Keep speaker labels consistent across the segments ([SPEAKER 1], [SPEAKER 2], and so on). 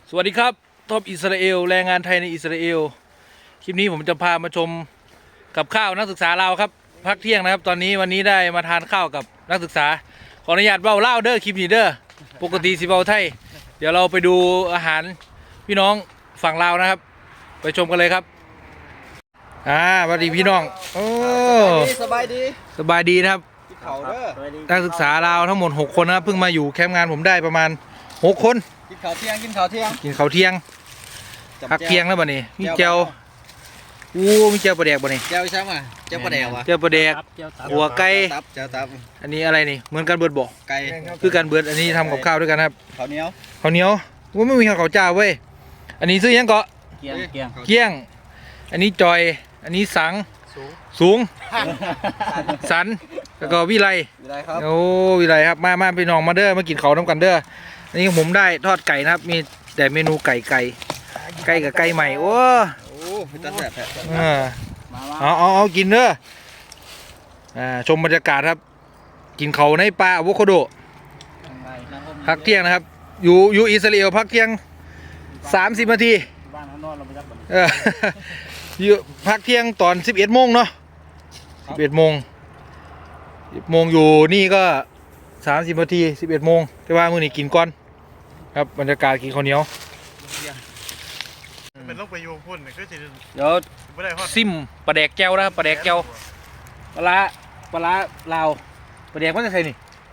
[SPEAKER 1] สวัสดีครับท็อปอิสราเอลแรงงานไทยในอิสราเอลคลิปนี้ผมจะพามาชมกับข้าวนักศึกษาเราครับพักเที่ยงนะครับตอนนี้วันนี้ได้มาทานข้าวกับนักศึกษาขออนุญาตเบ้าเล่าเด้อคลิปนี้เด้อปกติสิเบ้าไทยเดี๋ยวเราไปดูอาหารพี่น้องฝั่งลาวนะครับไปชมกันเลยครับสวัสดีพี่น้องโอ้
[SPEAKER 2] สบายดี
[SPEAKER 1] สบายดีนะครับ
[SPEAKER 2] เขาเด้อ
[SPEAKER 1] นักศึกษาลาวทั้งหมด6คนนะครับเพิ่งมาอยู่แคมป์งานผมได้ประมาณ6คน
[SPEAKER 2] กินข้าวเที่ยงกินข้าวเที่ยง
[SPEAKER 1] พักเที่ยงแล้วบ่นี่มีเจียวมีเจียวปลาแดกบ่นี่
[SPEAKER 2] เจียวใช่ไหมเจียวปลาแดกวะ
[SPEAKER 1] เจียวปลาแดกหัวไก่
[SPEAKER 2] เจียวตับ
[SPEAKER 1] อันนี้อะไรนี่เหมือนกันเบิดบ่
[SPEAKER 2] ไก่
[SPEAKER 1] คือกันเบิดอันนี้ทำกับข้าวด้วยกันครับ
[SPEAKER 2] ข้าวเหนียว
[SPEAKER 1] ว่าไม่มีข้าวเจ้าเว้ยอันนี้ซื้อยังเกาะ
[SPEAKER 2] เ
[SPEAKER 1] กี้ยงอันนี้จอยอันนี้สังสูงสันแล้วก็วิไล
[SPEAKER 2] ครับ
[SPEAKER 1] โอ้วิไลครับมาพี่น้องมาเด้อมากินข้าวน้ำกันเด้ออันนี้ผมได้ทอดไก่นะครับมีแต่เมนูไก่กับไก่ใหม่โอ้
[SPEAKER 2] ตัดแบบ
[SPEAKER 1] เอากินเด้อชมบรรยากาศครับกินเขาในป่าอะโวคาโดพักเที่ยงนะครับอยู่อิสราเอลพักเที่ยง30 นาทีอยู่พักเที่ยงตอน11 โมงเนาะ11 โมงอยู่นี่ก็30 นาที11 โมงแต่ว่ามื้อนี้กินก่อนครับบรรยากาศกินข้าวเหนียว
[SPEAKER 3] เป็นโรคไปโยงพ่นก็จะ
[SPEAKER 1] เดี๋ยวซิมปลาแดกแก้วนะครับปลาแดกแก้วปลาลาวปลาแดกมันจะใส่นี่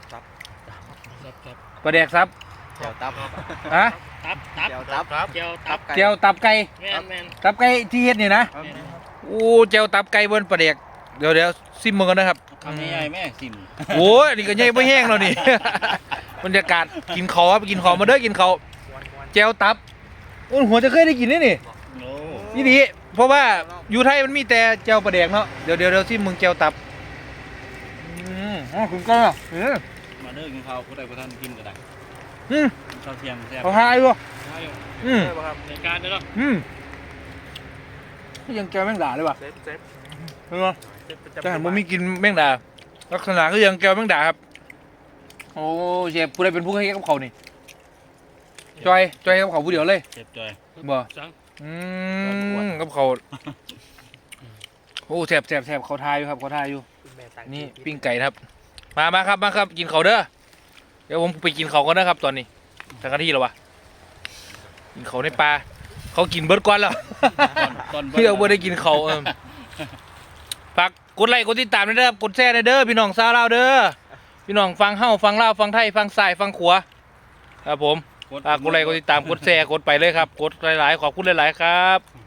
[SPEAKER 1] ปลาแดกซับ
[SPEAKER 2] เจียวตับ
[SPEAKER 1] ฮะ
[SPEAKER 2] เจียว
[SPEAKER 1] ตับไก่ตับไก่ที่เฮ็ดนี่นะโอ้เจียวตับไก่บนปลาแดกเดี๋ยวซิมมือกันนะครับ
[SPEAKER 2] คำใหญ่แม่ซิม
[SPEAKER 1] โอ้ยนี่ก็ใหญ่ไม่แห้งแล้วนี่บรรยากาศกินข้าวครับกินข้าวมาเด้อกินข้าวเจียวตับโอ้หัวจะเคยได้กินนี่นี่ดีเพราะว่าอยู่ไทยมันมีแต่เจียวปลาแดกเนาะเดี๋ยวซิมึงเจียวตับคุณก็
[SPEAKER 2] มาเด้อกินข้าวผู้ใดผู้ท่านกินก็ได้ข้าวเที่ยงแซ่บ
[SPEAKER 1] เขาหายด้วย
[SPEAKER 2] ในการเด้อ
[SPEAKER 1] ยังแกวแมงดาเลยว่ะเห็นไหมจะหันมามีกินแมงดาลักษณะก็ยังแกวแมงดาครับโอ้เชฟผู้ใดเป็นผู้ให้กับเขานี่จอยกับเขาผู้เดียวเลย
[SPEAKER 2] เชฟจอย
[SPEAKER 1] บ่กับเขาโอ้แซ่บเขาทายอยู่ครับเขาทายอยู่นี่ปิ้งไก่ครับมาครับกินเขาเด้อเดี๋ยวผมไปกินเขากันนะครับตอนนี้สักนาทีแล้ววะกินเขาในปลาเขากินเบิร์ดก้อนแล้วพี่เอาเบิร์ดได้กินเขาฝากกดไลค์กดติดตามด้วยเด้อกดแชร์ด้วยเด้อพี่น้องซาลาวเด้อพี่น้องฟังเฮ้าฟังลาวฟังไทยฟังสายฟังขวาครับผมกดไลค์กดติดตามกดแชร์กดไปเลยครับกดหลายๆขอบคุณหลายๆครับ